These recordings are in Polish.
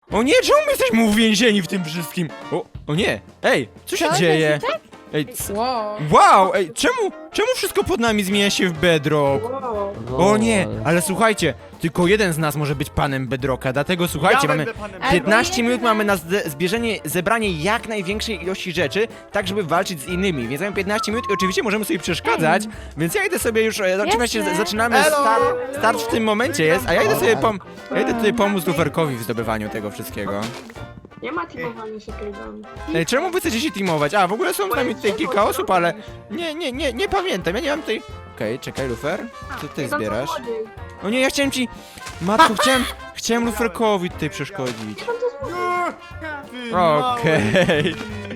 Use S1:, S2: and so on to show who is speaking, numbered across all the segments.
S1: O nie, czemu my jesteśmy uwięzieni w tym wszystkim? O nie, ej, co się dzieje? Ej, wow, ej, czemu wszystko pod nami zmienia się w Bedrock? O nie, ale słuchajcie, tylko jeden z nas może być panem Bedrocka, dlatego słuchajcie, mamy 15 minut mamy na zebranie jak największej ilości rzeczy, tak żeby walczyć z innymi, więc mamy 15 minut i oczywiście możemy sobie przeszkadzać, więc ja idę sobie już, oczywiście zaczynamy, start w tym momencie jest, a ja idę sobie tutaj pomóc Luferkowi w zdobywaniu tego wszystkiego.
S2: Nie ma teamowania się Kajdami.
S1: Ej, czemu wy chcecie się teamować? A, w ogóle są z nami tutaj kilka osób, ale nie pamiętam, ja nie mam tutaj... Okej, czekaj, Lufer, co ty zbierasz? O nie, ja chciałem ci... Matko, chciałem Luferkowi tutaj przeszkodzić. Okej.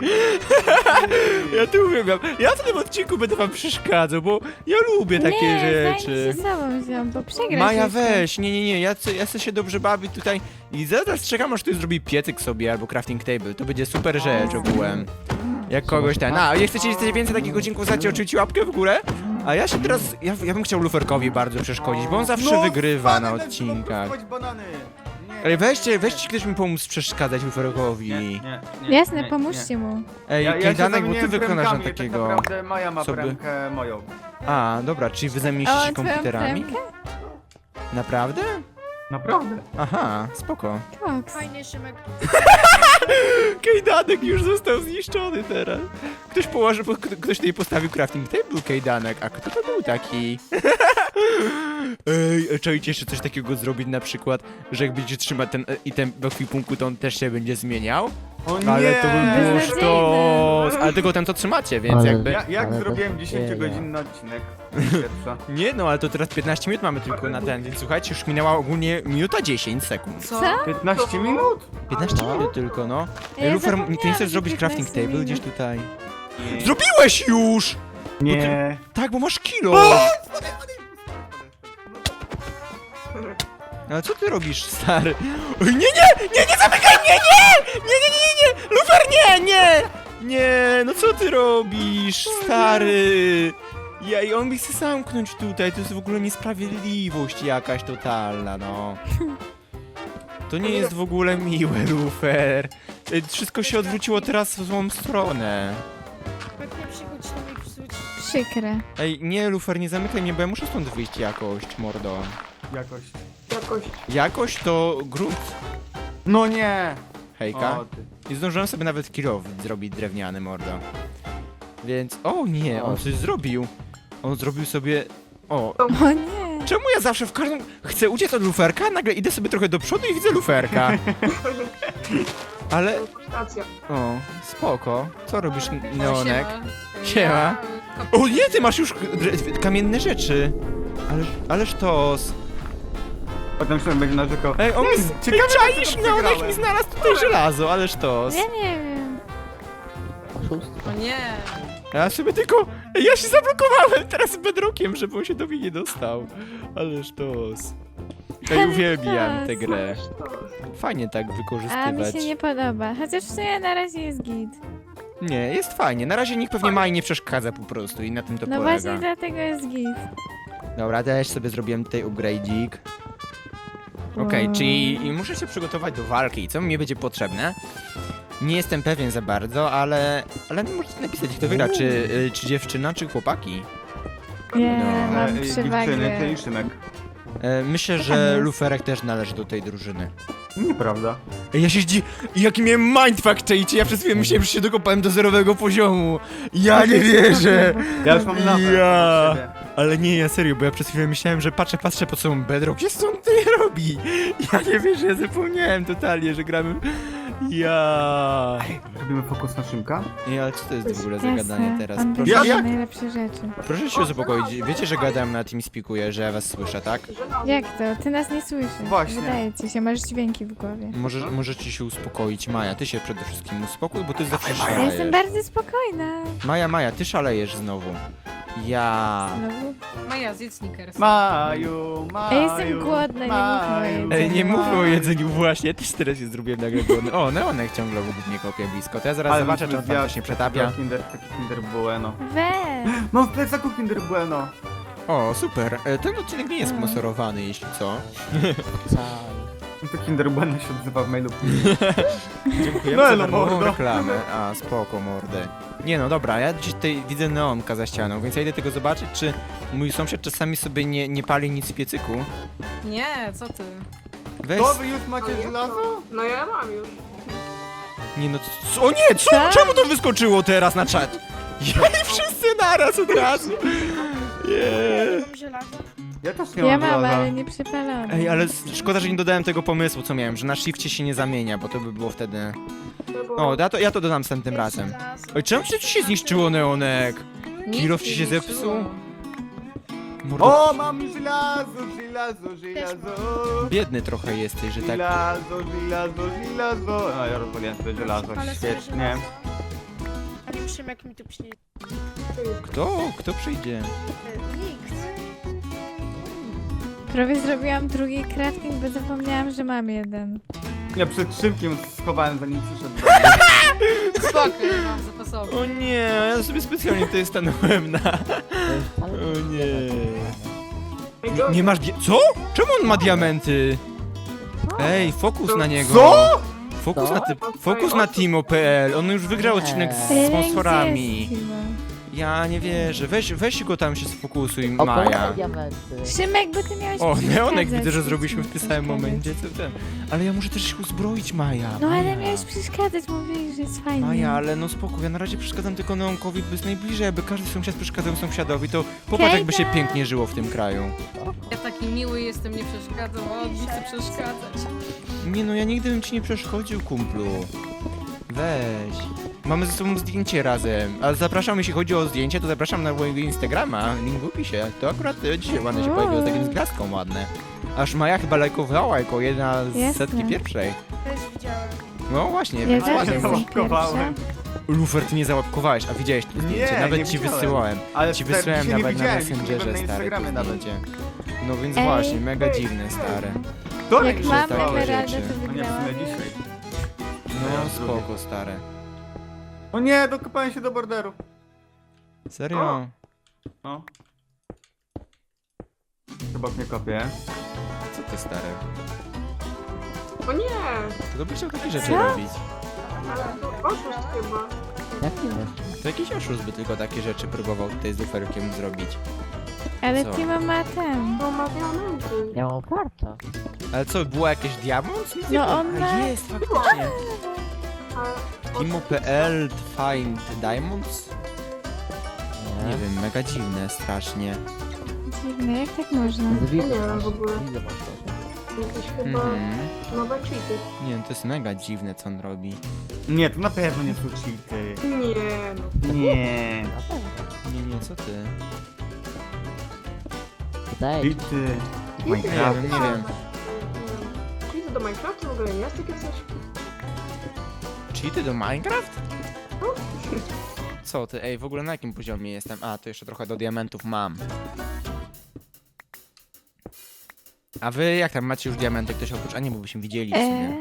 S1: Ja tu uwielbiam. Ja w tym odcinku będę wam przeszkadzał, bo ja lubię takie rzeczy.
S3: Nie, ze sobą wziąłem, bo przegrasz.
S1: Maja,
S3: jeszcze.
S1: weź, nie, ja chcę się dobrze bawić tutaj i zaraz czekam, aż ktoś zrobi piecyk sobie albo crafting table, to będzie super rzecz ogółem. Jak kogoś ten, jak chcecie więcej takich odcinków, znacie oczywiście łapkę w górę, a ja się teraz, ja bym chciał Luferkowi bardzo przeszkodzić, bo on zawsze wygrywa na odcinkach. Ej, weźcie ktoś mi pomóc przeszkadzać Luferkowi.
S4: Nie.
S3: Jasne, pomóżcie mu.
S1: Ej, Kajdanek, bo ty wykonasz na
S4: Tak
S1: takiego...
S4: naprawdę Maja ma
S1: sobie-
S4: premkę moją.
S1: A, dobra, czyli wy zajmiecie się komputerami?
S3: premkę?
S1: Naprawdę?
S4: Naprawdę.
S1: Aha, spoko.
S3: Koks.
S5: Fajny Szymek.
S1: Kajdanek już został zniszczony teraz. Ktoś tutaj postawił crafting table, Kajdanek, a kto to był taki? Ej, czajcie jeszcze coś takiego zrobić na przykład, że jak będziecie trzymać ten item w ekwipunku, to on też się będzie zmieniał?
S4: O nie!
S1: Ale to by było
S3: Beznadziejne.
S1: sztos! Ale tylko ten to trzymacie, więc
S6: Ale-
S1: jakby...
S4: Jak
S6: Ale
S4: zrobiłem
S6: bez
S4: 10-godzinny odcinek? Pierwsza.
S1: Nie no, ale to teraz 15 minut mamy tylko na ten, więc słuchajcie, już minęła ogólnie minuta 10 sekund.
S5: Co?
S4: 15 minut?
S1: 15 minut tylko, no.
S3: Ja
S1: Lufer,
S3: zapomniałam,
S1: ty nie chcesz
S3: że
S1: zrobić crafting
S3: 15
S1: table
S3: minut.
S1: gdzieś tutaj? Zrobiłeś już!
S4: Nie.
S1: Tak, bo masz kilo! Ale co ty robisz, stary? Oj, nie zamykaj mnie, nie! Lufer, nie! No co ty robisz, stary? I on mi chce zamknąć tutaj, to jest w ogóle niesprawiedliwość jakaś totalna, no. To nie jest w ogóle miłe, Lufer. Wszystko się odwróciło teraz w złą stronę.
S5: Pewnie przygód to mi psuć.
S3: Przykre.
S1: Ej, nie, Lufer, nie zamykaj mnie, bo ja muszę stąd wyjść jakoś, mordo.
S4: Jakoś.
S1: Jakoś to grunt.
S4: No nie!
S1: Hejka.
S4: O, ty.
S1: I zdążyłem sobie nawet kilow zrobić drewniany, mordo. Więc... O nie, on coś zrobił. On zrobił sobie... O,
S3: O nie.
S1: czemu ja zawsze w każdym... Chcę uciec od luferka, nagle idę sobie trochę do przodu i widzę luferka. Ale...
S2: Racja.
S1: O, spoko. Co robisz, Neonek?
S5: Siema.
S1: Siema.
S5: Ja,
S1: O nie, ty masz już kamienne rzeczy. Ale sztos.
S4: Potem się będzie narzekał.
S1: Ej, on mi...
S4: Ciekawe,
S1: Czaisz,
S4: dlaczego
S1: Neonek
S4: przegrałem.
S1: mi znalazł tutaj żelazo, ale sztos.
S3: Ja nie wiem.
S6: Oszustwo.
S5: O nie.
S1: Ja sobie tylko... Ja się zablokowałem teraz z Bedrockiem, żeby on się do mnie nie dostał. Ale sztos. Ja uwielbiam tę grę. Fajnie tak
S3: A mi
S1: wykorzystywać.
S3: się nie podoba. Chociaż w sumie na razie jest git.
S1: Nie, jest fajnie. Na razie nikt pewnie Mai nie przeszkadza po prostu i na tym to
S3: No
S1: polega.
S3: właśnie dlatego jest git.
S1: Dobra, też sobie zrobiłem tutaj upgrade'ik. Okej,
S3: Wow.
S1: czyli muszę się przygotować do walki. Co mi będzie potrzebne? Nie jestem pewien za bardzo, ale możecie napisać, kto wygra, czy dziewczyna, czy chłopaki.
S3: Nie,
S1: No.
S3: mam
S4: Dziewczyny,
S3: przewagę.
S4: ty i Szymek.
S1: Myślę,
S3: tam
S1: że
S3: jest?
S1: Luferek też należy do tej drużyny.
S4: Nieprawda.
S1: Ja się jaki miałem mindfuck, czajcie, ja przez chwilę myślałem, że się dokopałem do 0 poziomu. Ja nie wierzę.
S4: Ja już mam napęd
S1: Ja.
S4: od siebie.
S1: Ale nie, ja serio, bo ja przez chwilę myślałem, że patrzę pod sobą Bedrock, jest co on tutaj robi? Ja nie wierzę, ja zapomniałem totalnie, że gramy... Ja.
S4: Robimy fokus na Szymka?
S1: Nie, ale co to jest w ogóle za
S3: Jasne,
S1: gadanie teraz?
S3: on
S1: Proszę,
S3: wygląda
S4: jak?
S3: najlepsze rzeczy.
S1: proszę się uspokoić, wiecie, że gadam na TeamSpeakuję, że ja was słyszę, tak?
S3: Jak to? Ty nas nie słyszysz.
S4: Właśnie.
S3: Wydaje ci się, masz dźwięki w głowie.
S1: Możecie się uspokoić, Maja, ty się przede wszystkim uspokój, bo ty zawsze
S3: Ja jestem
S1: szalejesz.
S3: bardzo spokojna.
S1: Maja, ty szalejesz znowu. Ja...
S3: Znowu.
S5: Maja, zjedz Snickers.
S4: Maju.
S3: Ja jestem głodna, nie mówmy o jedzeniu.
S1: Ej, nie mówmy o jedzeniu właśnie, ja też teraz się zrobiłem nagle głodny. O, Neonek ciągle obok mnie kopie blisko, to ja zaraz zobaczę, czy on tam coś nie przetapia.
S4: Taki Kinder Bueno.
S3: Weź.
S4: Mam w plecaku Kinder Bueno.
S1: O, super. Ten odcinek nie jest sponsorowany, jeśli co.
S4: To Kinder Bueno się odzywa w mailu.
S1: Dziękujemy
S4: No,
S1: za
S4: no,
S1: darmową
S4: mordo.
S1: reklamę. A, spoko, mordę. Nie no, dobra, ja dziś tutaj widzę neonka za ścianą, więc ja idę tego zobaczyć, czy mój sąsiad czasami sobie nie pali nic w piecyku.
S5: Nie, co ty?
S1: Weź...
S4: To wy już
S2: No
S4: macie
S2: nie,
S4: żelazo?
S2: No ja mam już.
S1: Nie no, o nie, co?
S3: Co?
S1: Czemu to wyskoczyło teraz na czat? I wszyscy naraz od razu. Yeah.
S2: Mam żelazo.
S4: Ja też nie
S3: Ja
S4: mam
S3: mam,
S4: żelaza.
S3: ale nie przypalone.
S1: Ej, ale szkoda, że nie dodałem tego pomysłu, co miałem, że na shifcie się nie zamienia, bo to by było wtedy...
S2: No bo...
S1: O, ja to dodam następnym razem. Oj, czemu ci się zniszczyło, Neonek?
S5: Nic
S1: Kilof ci się
S5: nie
S1: zepsuł?
S5: zepsuło.
S1: Mordo,
S4: O, mam żelazo.
S1: biedny trochę jesteś, że tak...
S4: Żelazo. A ja rozwaliłem sobie żelazo,
S6: Ale sobie
S4: świetnie.
S6: Ale już wiem, jak mi tu przyjdzie.
S1: Kto przyjdzie?
S6: Nikt.
S3: Prawie zrobiłam drugi crafting, bo zapomniałam, że mam jeden.
S4: Ja przed szybkiem schowałem, zanim przyszedł.
S5: Spoko, nie mam zapasowy.
S1: O nie, ja sobie specjalnie tutaj stanąłem na... O nie... Nie masz co? Czemu on ma diamenty? Ej, fokus na niego.
S4: Co?
S1: Fokus na Timo.pl. On już wygrał odcinek z sponsorami.
S3: Gdzie jest Timo?
S1: Ja nie wierzę. Weź go tam się sfokusuj, Maja.
S3: Szymek, bo ty miałeś
S1: O, Neonek
S3: przeszkadzać,
S1: widzę, że
S3: nic
S1: zrobiliśmy
S3: nie
S1: w tym samym
S3: przeszkadzać.
S1: momencie. Co ten? Ale ja muszę też się uzbroić, Maja.
S3: No ale
S1: Maja.
S3: miałeś przeszkadzać, mówiłeś, że jest fajnie.
S1: Maja, ale no spoko, ja na razie przeszkadzam tylko Neonkowi, bo jest najbliżej, aby każdy sąsiad przeszkadzał sąsiadowi, to popatrz jakby się
S3: Kejda!
S1: pięknie żyło w tym kraju.
S5: Ja taki miły jestem, nie przeszkadzam, a on mi chce przeszkadzać.
S1: Nie no, ja nigdy bym ci nie przeszkodził, kumplu. Weź. Mamy ze sobą zdjęcie razem. A zapraszam, jeśli chodzi o zdjęcie, to zapraszam na mojego Instagrama, link w opisie. To akurat dzisiaj ładne się pojawiło, z takim zglaską ładne. Aż Maja chyba lajkowała jako jedna z
S3: Jasne.
S1: setki pierwszej.
S6: Też widziałem.
S1: No właśnie,
S3: Ja
S1: więc
S3: też
S1: ładnie.
S3: jestem
S4: załapkowałem.
S3: pierwsza.
S1: Lufer, ty nie załapkowałeś, a widziałeś to zdjęcie,
S4: Nie,
S1: nawet
S4: nie
S1: ci
S4: widziałem.
S1: wysyłałem.
S4: Ale
S1: Ci
S4: wtedy
S1: wysłałem
S4: dzisiaj nie
S1: nawet na
S4: widziałem, jeśli
S1: Messengerze,
S4: byłem na
S1: stary, to
S4: Instagramie nawet.
S1: zdjęcie. No więc
S3: Ej,
S1: właśnie, mega dziwne, stare.
S4: To
S3: Jak mam
S1: takie
S3: emeraldę,
S1: rzeczy.
S3: to
S4: A nie, w
S3: wygrałam.
S4: sumie dzisiaj.
S1: No spoko, stare.
S4: O nie, dokopałem się do borderu.
S1: Serio?
S4: No. Chyba mnie kopię.
S1: Co ty, stary?
S2: O nie!
S1: To byś chciał takie rzeczy
S3: Co?
S1: robić.
S2: Ale to oszust chyba.
S1: To jakiś oszust by tylko takie rzeczy próbował tutaj z luferkiem zrobić.
S3: Ale
S1: Co?
S3: Timo ma ten.
S2: No ma diamenty.
S7: Ja mam warto.
S1: Ale co, było jakieś diamont? Nic nie
S3: No
S1: było.
S3: on
S1: A
S3: ma-
S1: jest, faktycznie.
S2: A
S1: Timo.pl find diamonds? Nie wiem, mega dziwne, strasznie.
S3: Dziwne, jak tak można?
S2: nie wiem w ogóle. Jakieś chyba
S1: Mhm.
S2: nowe cheaty.
S1: Nie, to jest mega dziwne, co on robi.
S4: Nie, to na pewno nie są cheaty.
S2: Nie no.
S4: Nie.
S1: Nie, co ty?
S7: Wydaje
S4: Cheaty.
S1: Nie
S4: Minecraft.
S1: wiem, nie wiem.
S2: Cheaty do Minecraftu w ogóle jest takie coś?
S1: Cheaty do Minecraft? Co ty? Ej, w ogóle na jakim poziomie jestem? A, to jeszcze trochę do diamentów mam. A wy jak tam macie już diamenty? Ktoś oprócz... A nie, bo byśmy widzieli w sumie.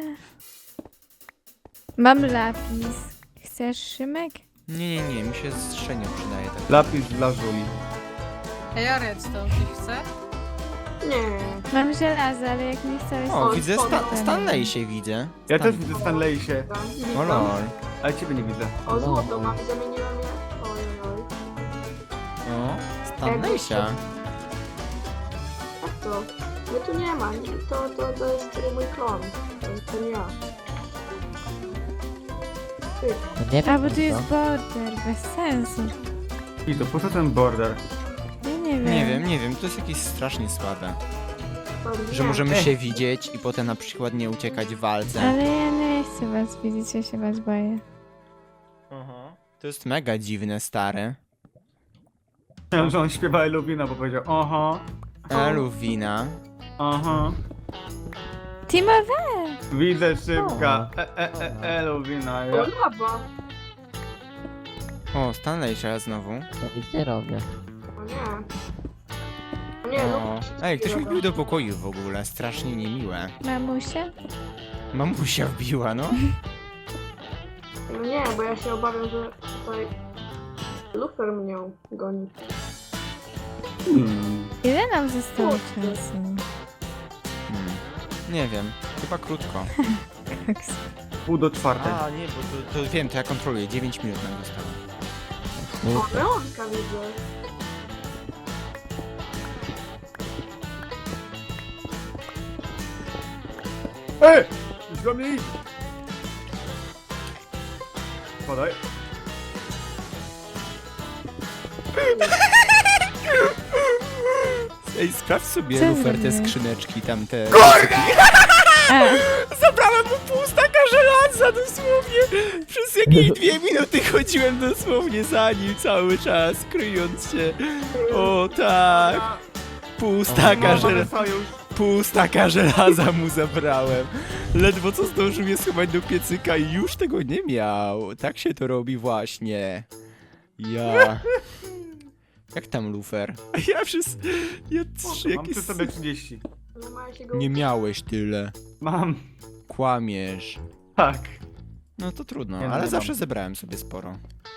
S3: Mam lapis. Chcesz, Szymek?
S1: Nie, mi się strzenia przydaje tak.
S4: Lapis dla Żuli.
S5: Ej, a redstone ktoś chce?
S2: Nie.
S3: Mam żelazo, ale jak nie chcesz...
S1: O,
S2: Oj,
S1: widzę
S2: spoko.
S1: Stanley się widzę.
S4: Ja też widzę Stanleysie,
S2: Tam,
S1: O
S2: widzę.
S1: lol.
S4: ale ciebie nie widzę.
S2: O złoto mam, zamieniłem je. Oj, oj.
S1: O, Stanleysia.
S2: Jak to? Mnie tu nie ma. To jest mój klon. To nie ja. Ty,
S3: A, bo tu jest border, bez sensu.
S4: I to po co ten border?
S3: Ja nie wiem.
S1: Nie wiem, to jest jakieś strasznie słabe.
S2: to
S1: Że
S2: nie.
S1: możemy się widzieć i potem na przykład nie uciekać w walce.
S3: Ale ja nie chcę was widzieć, ja się was boję.
S1: To jest mega dziwne, stare.
S4: Myślałem, że on śpiewa Eluwina, bo powiedział oho,
S1: Eluwina.
S4: oho.
S3: Timo, we!
S4: Widzę szybka. Eluwina.
S2: O,
S4: Ja.
S2: lawa.
S1: O, Stanleysia znowu.
S7: to nic nie robię.
S2: O nie. O nie,
S1: O.
S2: no.
S1: Ej, ktoś mi wbił do pokoju w ogóle, strasznie niemiłe.
S3: Mamusia?
S1: Mamusia wbiła, no.
S2: No nie, bo ja się obawiam, że tutaj lufer mnie goni.
S3: Ile nam zostało czasu?
S1: Nie wiem. Chyba krótko.
S4: Pół do czwartej.
S1: A, nie, bo to wiem, to ja kontroluję. 9 minut nam zostało.
S2: O, Leonka widzę.
S4: Ej! Idź do mnie! Podaj.
S1: Ej, sprawdź sobie,
S3: Co
S1: Lufer, te
S3: zrobiłeś?
S1: skrzyneczki, tamte...
S3: A,
S1: Zabrałem mu pół staka żelaza, dosłownie! Przez jakieś 2 minuty chodziłem dosłownie za nim cały czas, kryjąc się. O tak! Pół staka,
S4: Mamy sojusz.
S1: pół staka żelaza mu zabrałem. Ledwo co zdążył je schować do piecyka i już tego nie miał. Tak się to robi właśnie. Ja... Jak tam, Lufer? Ja przez... Ja
S4: Mam
S1: jakieś...
S4: przy sobie 30.
S2: Nie ma się go...
S1: Nie miałeś tyle.
S4: Mam.
S1: Kłamiesz.
S4: Tak.
S1: No to trudno,
S4: Nie, no
S1: ale
S4: nie
S1: zawsze
S4: mam.
S1: zebrałem sobie sporo.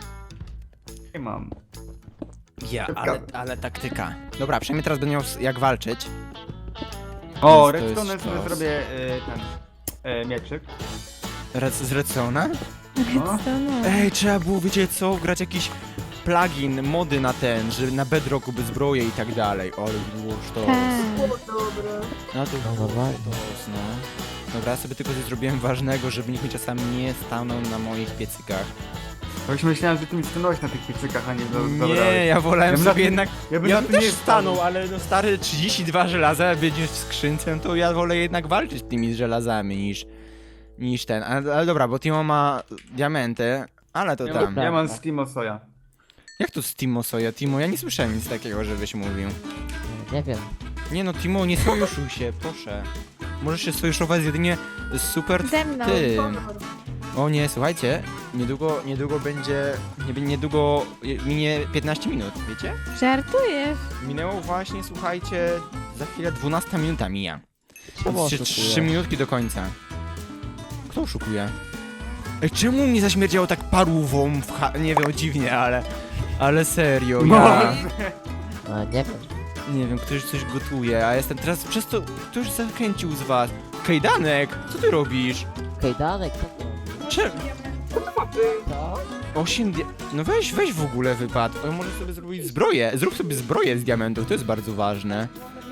S4: Nie mam.
S1: Ja, ale taktyka. Dobra, przynajmniej teraz będę miał jak walczyć.
S4: O,
S1: Więc to jest
S4: redstone sobie
S1: sztos.
S4: zrobię mieczyk.
S1: Z Redsona?
S4: No.
S3: co no.
S1: Ej, trzeba było, wiecie co, wgrać jakiś plugin, mody na ten, że na Bedrocku by zbroje i tak dalej. O, ale było sztos.
S3: Tak.
S2: O, dobre.
S1: No to
S7: No
S1: było
S7: dobra.
S1: sztos, no. Dobra, ja sobie tylko coś zrobiłem ważnego, żeby nikt mi czasami nie stanął na moich piecykach.
S4: Bo już myślałem, że ty mi stanąłeś na tych piecykach, a nie
S1: Nie, ja wolałem
S4: Ja bym
S1: sobie
S4: na-
S1: jednak...
S4: Ja bym
S1: Ja
S4: na
S1: bym
S4: tym
S1: też
S4: nie
S1: stanął, ale no stary 32 żelaza będzie w skrzynce, no to ja wolę jednak walczyć tymi żelazami niż ten. Ale dobra, bo Timo ma diamenty, ale to
S4: Ja,
S1: tam.
S4: ja mam Steam Soja.
S1: Jak to z Timo soja? Timo, ja nie słyszałem nic takiego, żebyś mówił.
S7: Nie wiem.
S1: Nie no, Timo, nie sojuszuj się, proszę. Możesz się sojuszować jedynie z super
S3: Ze mną.
S1: tym.
S2: Honor.
S1: O nie, słuchajcie, niedługo będzie, niedługo minie 15 minut, wiecie?
S3: Żartujesz?
S1: Minęło właśnie, słuchajcie, za chwilę 12 minuta mija.
S7: Czemu
S1: Jeszcze
S7: oszukujesz?
S1: 3 minutki do końca. Kto oszukuje? Ej, czemu mnie zaśmierdziało tak parówą nie wiem, dziwnie, ale serio, ja...
S7: No, nie wiem.
S1: Nie wiem, ktoś coś gotuje, a jestem teraz przez to... Ktoś zachęcił z was. Kajdanek, co ty robisz?
S7: Kajdanek, co to robi?
S1: Czemu?
S7: Co?
S1: 8 No weź w ogóle wypad. O, może sobie zrobić zbroję. Zrób sobie zbroję z diamentów, to jest bardzo ważne.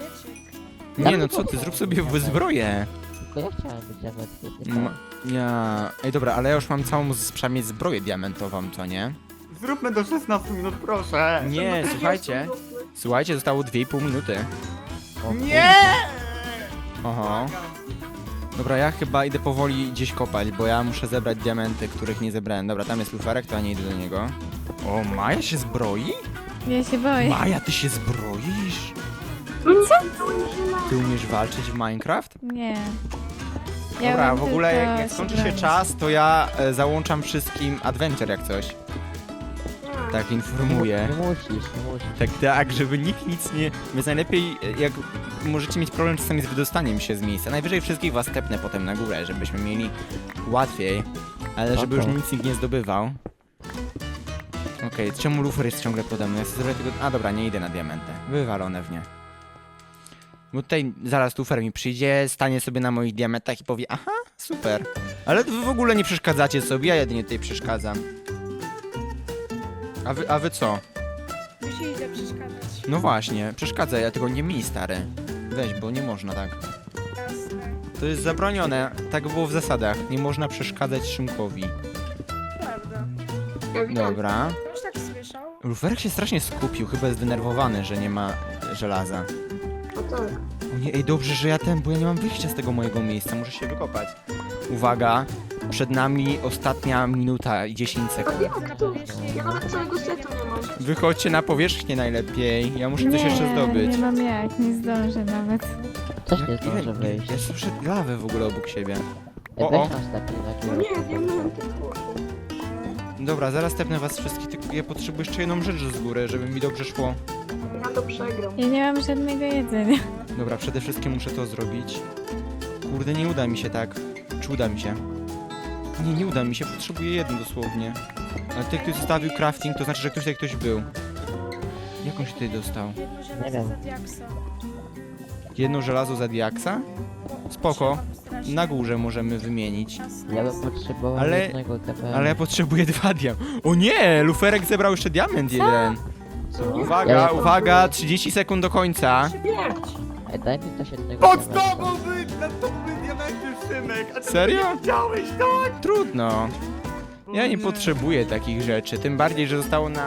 S1: Nie no, co ty, zrób sobie zbroję.
S7: Tylko ja chciałem być diamentkiem.
S1: Ja... Ej, dobra, ale ja już mam całą przynajmniej zbroję diamentową, co nie?
S4: Zróbmy do 16 minut, proszę.
S1: Nie, słuchajcie. Słuchajcie, zostało 2,5 minuty.
S4: Nie!
S1: Oho. Dobra, ja chyba idę powoli gdzieś kopać, bo ja muszę zebrać diamenty, których nie zebrałem. Dobra, tam jest luferek, to ja nie idę do niego. O, Maja się zbroi?
S3: Ja się boję.
S1: Maja, ty się zbroisz? Ty umiesz walczyć w Minecraft?
S3: Nie. Ja
S1: Dobra,
S3: umiem
S1: w ogóle
S3: tylko
S1: jak skończy się
S3: bronić.
S1: czas, to ja załączam wszystkim adventure jak coś. Tak informuję.
S7: Nie musisz.
S1: Tak, żeby nikt nic nie... Więc najlepiej, jak możecie mieć problem czasami z wydostaniem się z miejsca. Najwyżej wszystkich was tepnę potem na górę, żebyśmy mieli łatwiej. Ale żeby już
S7: Spoko.
S1: nic nikt nie zdobywał. Okej, czemu lufer jest ciągle pode mną? Ja chcę zrobić tego... A dobra, nie idę na diamentę. Wywalone w nie. Bo tutaj zaraz lufer mi przyjdzie, stanie sobie na moich diamentach i powie aha, super. Ale wy w ogóle nie przeszkadzacie sobie, ja jedynie tutaj przeszkadzam. A wy co?
S6: Musi idę przeszkadzać.
S1: No właśnie, przeszkadza, ja tego nie mi, stary. Weź, bo nie można tak.
S6: Jasne.
S1: To jest zabronione, tak było w zasadach. Nie można przeszkadzać Szymkowi.
S6: Prawda.
S1: Dobra.
S6: Już tak słyszał?
S1: Luferek się strasznie skupił, chyba jest zdenerwowany, że nie ma żelaza.
S2: A tak.
S1: O nie, ej, dobrze, że ja bo ja nie mam wyjścia z tego mojego miejsca, muszę się wykopać. Uwaga, przed nami ostatnia minuta i 10
S2: A
S1: sekund.
S2: jak to? Ja nawet całego setu nie mam.
S1: Wychodźcie na powierzchnię najlepiej, ja muszę coś
S3: Nie,
S1: jeszcze zdobyć.
S3: nie mam jak, nie zdążę nawet.
S7: Coś nie zdążę wyjść.
S1: Ja słyszę lawę w ogóle obok siebie.
S7: Ej,
S1: o.
S7: weź nas taki
S2: No
S7: na
S2: nie, diamenty, kurde.
S1: Dobra, zaraz tepnę was wszystkich, tylko ja potrzebuję jeszcze jedną rzecz z góry, żeby mi dobrze szło.
S2: Ja to przegram.
S3: Ja nie mam żadnego jedzenia.
S1: Dobra, przede wszystkim muszę to zrobić. Kurde, nie uda mi się tak. Czy uda mi się? Nie uda mi się, potrzebuję jedno dosłownie. Ale tutaj ktoś zostawił crafting, to znaczy, że ktoś tutaj ktoś był. Jak on się tutaj dostał?
S6: Jedno
S7: Nie
S6: żelazo
S7: wiem.
S6: za diaksa.
S1: Jedno żelazo za diaksa? Spoko.
S6: Strasznie.
S1: na górze możemy wymienić.
S7: Ja bym potrzebował
S1: Ale-
S7: jednego TP.
S1: Ale ja potrzebuję 2 diamenty. O nie, Luferek zebrał jeszcze diament jeden. Uwaga,
S7: Ja-
S1: uwaga, 30 sekund do końca.
S2: Śmierć!
S7: Ej, daj mi też jednego
S4: Pod
S7: diamenta.
S4: tobą nad tobą były diamenty, Szymek! A ty
S1: Serio?
S4: nie widziałeś, tak?
S1: Trudno. Ja nie potrzebuję takich rzeczy, tym bardziej, że zostało nam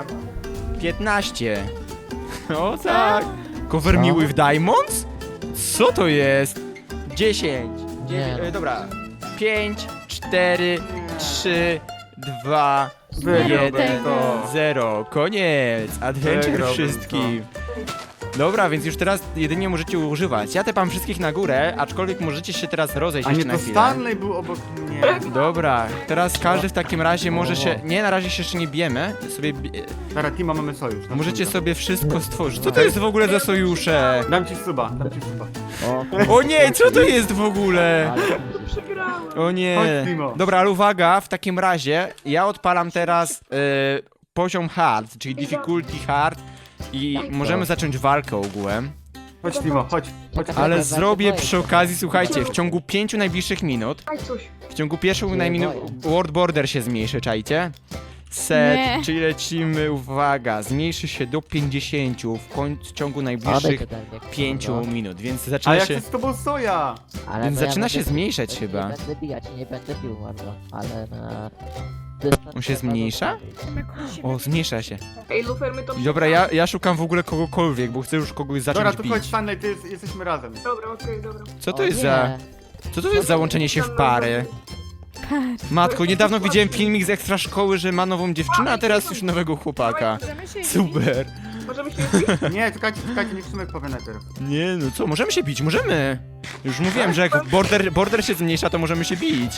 S1: 15. O tak. Cover
S7: Co?
S1: me with diamonds? Co to jest? 10.
S7: Nie.
S1: Dobra. 5, 4, 3, 2,
S4: Wygrał
S1: 1,
S4: tego.
S1: 0. Koniec. Adventure
S4: Wygrałbym
S1: wszystkim. Dobra, więc już teraz jedynie możecie używać. Ja tepam wszystkich na górę, aczkolwiek możecie się teraz rozejść
S4: A nie,
S1: jeszcze na
S4: to
S1: chwilę.
S4: Stanley był obok mnie.
S1: Dobra, teraz każdy w takim razie może się... Nie, na razie się jeszcze nie bijemy. Sobie...
S4: Dobra, Tima mamy sojusz.
S1: Możecie sobie wszystko stworzyć. Co to jest w ogóle za sojusze?
S4: Dam ci suba.
S7: O,
S1: O nie, co to jest w ogóle?
S7: ale
S2: Przegrałem!
S1: O nie.
S4: Chodź, Timo.
S1: Dobra, ale uwaga, w takim razie ja odpalam teraz poziom hard, czyli difficulty hard i możemy zacząć walkę ogółem.
S4: Chodź, Timo, chodź.
S1: Ale zrobię przy okazji, słuchajcie, w ciągu 5 najbliższych minut,
S2: Daj coś.
S1: w ciągu pierwszych
S7: Nie
S1: minut
S7: boję.
S1: world border się zmniejszy, czajcie? Set,
S3: Nie.
S1: czyli lecimy, uwaga, zmniejszy się do 50 w ciągu najbliższych 5 minut, więc
S4: A
S1: zaczyna
S4: ja
S1: się...
S4: chcę z tobą soja!
S7: Ale
S1: Więc
S7: no ja
S1: zaczyna się
S7: będę-
S1: zmniejszać
S7: nie
S1: chyba.
S7: będę bijać, nie będę bił bardzo, ale na... dystans
S1: On się
S7: trzeba
S1: zmniejsza?
S7: zostawić.
S1: O, zmniejsza się.
S2: Ej, Lufer, my to...
S1: Dobra, ja szukam w ogóle kogokolwiek, bo chcę już kogoś
S4: Dobra,
S1: zacząć
S4: tu
S1: bić.
S4: chodź, Stanley, jesteśmy razem.
S2: Dobra, okej, dobra.
S1: Co to
S7: O
S1: jest
S7: nie.
S1: za... Co to jest za łączenie się w pary?
S3: Par.
S1: Matko, niedawno widziałem filmik z ekstra szkoły, że ma nową dziewczynę, a teraz już nowego chłopaka.
S6: Możemy się
S1: Super.
S2: Możemy się bić?
S4: Nie, czekajcie, niech Szymek powie najpierw.
S1: Nie, no co, możemy się bić, możemy. Już mówiłem, że jak border się zmniejsza, to możemy się bić.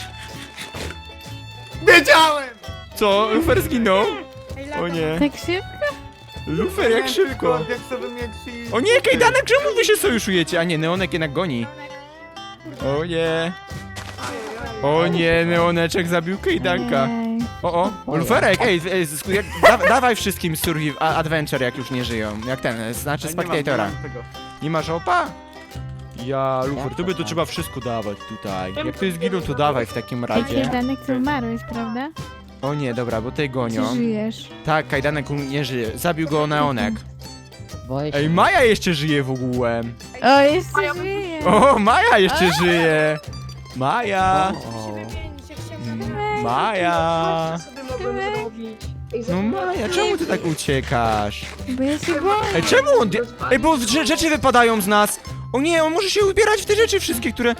S4: Wiedziałem!
S1: Co? Lufer zginął?
S6: Ej,
S1: O
S6: laga.
S1: nie.
S3: Tak szybko?
S1: Lufer, jak szybko.
S4: Jak sobie mieć i...
S1: O nie, Kajdanek, czemu wy się sojuszujecie? A nie, Neonek jednak goni. O nie. O nie, Neoneczek zabił Kajdanka.
S3: Ej.
S1: O, Luferek, dawaj wszystkim Adventure, jak już nie żyją. Jak ten, znaczy
S4: Ja nie mam
S1: Spectatora.
S4: tego.
S1: Nie masz opa? Ja, Lufer,
S7: Jak
S1: tobie
S7: to
S1: to
S7: tak?
S1: trzeba wszystko dawać tutaj. Jak to jest giną, to dawaj w takim razie.
S3: Danek, ty umarłeś, prawda?
S1: O nie, dobra, bo tej
S3: Czy
S1: gonią.
S3: żyjesz?
S1: Tak, Kajdanek nie żyje. Zabił go Neonek.
S7: Boję się.
S1: Ej, Maja jeszcze żyje w ogóle.
S3: O, jeszcze żyje!
S1: O, Maja jeszcze żyje. Maja.
S7: O.
S6: Wymienić, jak się
S1: Maja.
S2: Co sobie mogłem zrobić? Ej,
S1: No Maja, czemu ty tak uciekasz?
S3: Bo ja się boję.
S1: Ej, czemu on... Ej, bo rzeczy wypadają z nas. O nie, on może się ubierać w te rzeczy wszystkie, które...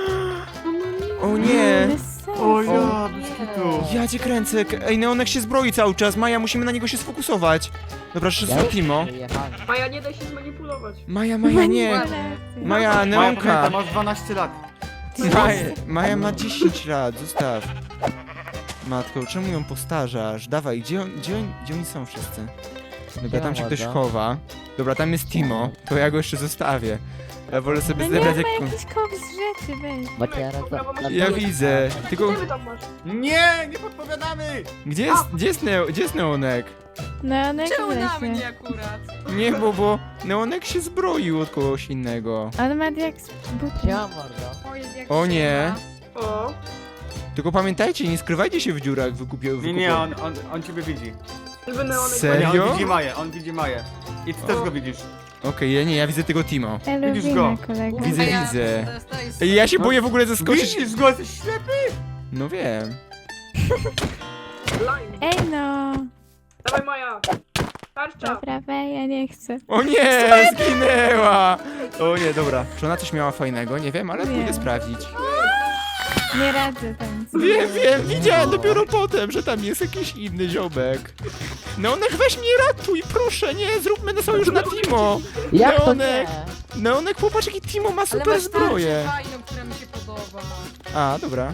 S1: O nie.
S3: Bez sensu.
S4: O ja, bez kitu.
S1: Ja cię kręcę. Ej, Neonek się zbroi cały czas. Maja, musimy na niego się sfokusować. Dobra,
S7: Ja
S1: szybko,
S7: już
S1: Timo.
S7: wyjechałem.
S2: Maja, nie daj się zmanipulować.
S1: Maja, nie. Maja,
S4: Maja,
S1: Neonka.
S4: pamiętaj, masz 12 lat.
S1: Maja ma 10 lat, zostaw. Matko, czemu ją postarzasz? Dawaj, gdzie oni są wszyscy? Dobra, tam się ktoś
S7: Siema,
S1: chowa. Dobra, tam jest Timo, to ja go jeszcze zostawię. Ja wolę
S3: No
S1: sobie
S3: nie
S1: zebrać
S3: ma
S1: jak...
S3: jakiś koks rzeczy, weź.
S7: Macie raz
S1: Ja widzę, tylko...
S2: Gdzie wy tam masz?
S4: Nie, nie podpowiadamy!
S1: Gdzie jest Neonek?
S3: No, one
S5: Czemu na
S3: się.
S5: mnie akurat?
S1: Nie, bo Neonek się zbroił od kogoś innego.
S3: On ma jak z butów.
S7: Siema, mordo.
S6: O, jest jak
S1: O nie.
S2: O,
S1: Tylko pamiętajcie, nie skrywajcie się w dziurach,
S4: Nie, on ciebie widzi.
S2: żeby Neonek...
S1: Serio?
S4: Nie, on widzi Maję. I ty też go widzisz.
S1: Okej, ja widzę tego Timo.
S4: Widzisz go?
S3: Lubimy kolego.
S1: Widzę,
S5: A ja
S1: widzę.
S5: dostaję
S1: Ej, ja się boję w ogóle zaskoczyć.
S4: Widzisz go, jesteś ślepy!
S1: No wiem.
S2: Line.
S3: Ej no!
S2: Dawaj, Maja. Tarcza.
S3: Dobra, ja nie chcę.
S1: O nie, zginęła! O nie, dobra. Czy ona coś miała fajnego? Nie wiem, ale
S3: Nie.
S1: pójdę sprawdzić.
S3: Nie radzę tam.
S1: Wiem, widziałem dopiero potem, że tam jest jakiś inny ziomek. Neonek, weź mnie ratuj, proszę, nie, zróbmy na sojusz na Timo.
S7: Jak to
S1: Neonek.
S7: nie?
S1: Neonek, popatrz jaki Timo ma
S5: Ale
S1: super
S5: masz
S1: zbroję.
S5: tarczę fajną, która mi się podoba.
S1: A, dobra.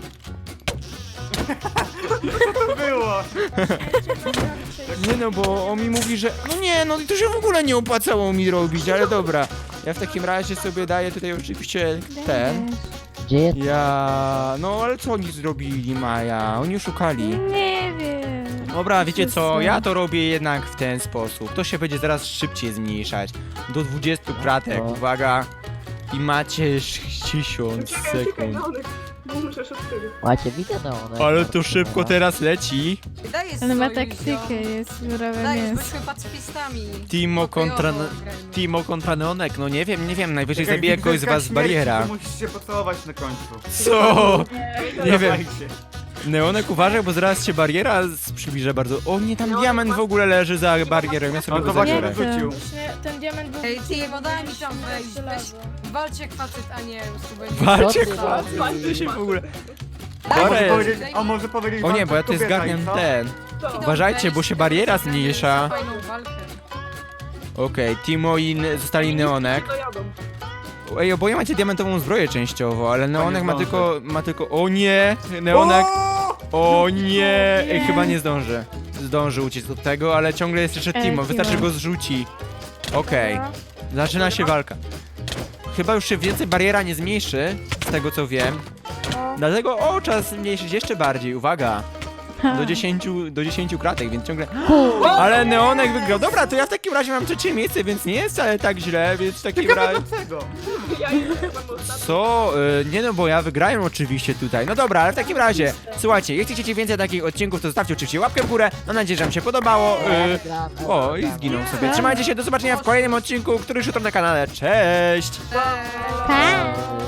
S4: Co to było?
S1: Nie no, bo on mi mówi, że... No nie, no to się w ogóle nie opłacało mi robić, ale dobra. Ja w takim razie sobie daję tutaj oczywiście ten.
S7: Gdzie jest?
S1: No ale co oni zrobili, Maja? Oni oszukali.
S3: Nie wiem.
S1: Dobra, wiecie co? Ja to robię jednak w ten sposób. To się będzie zaraz szybciej zmniejszać. Do 20 kratek,
S7: O.
S1: uwaga. I macie 60
S2: Czekaj,
S1: sekund.
S2: Neonek. Muszę szybciej.
S7: Macie widzę neonek.
S1: Ale to szybko teraz leci.
S5: Daj
S3: On ma
S5: sojusz,
S3: taktykę, jest surowe
S5: Daj,
S3: mięso.
S5: byliśmy pacyfistami.
S1: Timo kontra...
S5: Pokojowo grajmy.
S1: Timo kontra Neonek, no nie wiem, najwyżej
S4: Czekaj,
S1: zabije kogoś z
S4: widzę
S1: was z
S4: śmierci,
S1: bariera.
S4: to Musisz się pocałować na końcu.
S1: Co? Nie wiem.
S4: Dawajcie.
S1: Neonek uważaj, bo zaraz się bariera przybliża bardzo. O nie, tam diament w ogóle leży za barierą, ja sobie
S4: No
S1: go
S4: to właśnie
S1: zabiorę.
S4: wyrzucił.
S6: Właśnie ten diament był...
S5: Ej, Timo, daj mi tam wejść. Weź,
S6: Żelazo.
S5: walcie jak facet, a nie słuchaj.
S1: Walcie,
S7: Co ty
S1: chłopcy,
S7: robisz?
S1: ty się w ogóle...
S4: A może
S1: Dobra.
S4: powiedzieć, a może powiedzieć
S1: O nie,
S4: wam
S1: bo ja tutaj
S4: kobieta
S1: zgarniam
S4: i co?
S1: ten.
S2: Co?
S1: Uważajcie, bo się bariera zmniejsza.
S5: Fajną walkę.
S1: Okej, Timo i zostali Neonek.
S2: To jadą.
S1: Ej, oboje macie diamentową zbroję częściowo, ale Neonek ma
S4: zdąży.
S1: tylko... O nie! Neonek...
S4: O!
S1: O nie! Ej, chyba nie zdąży. Zdąży uciec od tego, ale ciągle jest jeszcze Timo, wystarczy
S3: Timo.
S1: go zrzuci. Okej, zaczyna się walka. Chyba już się więcej bariera nie zmniejszy, z tego co wiem. Dlatego, trzeba zmniejszyć jeszcze bardziej, uwaga. Do 10 kratek, więc ciągle... Ale Neonek wygrał. Dobra, to ja w takim razie mam trzecie miejsce, więc nie jest wcale tak źle, więc w takim razie...
S4: Dlaczego?
S2: Ja jestem ostatni.
S1: Co? Nie no, bo ja wygrałem oczywiście tutaj. No dobra, ale w takim razie, słuchajcie, jeśli chcecie więcej takich odcinków, to zostawcie oczywiście łapkę w górę. Mam nadzieję, że wam się podobało. O, i zginął sobie. Trzymajcie się, do zobaczenia w kolejnym odcinku, który już jutro na kanale. Cześć!
S3: Pa!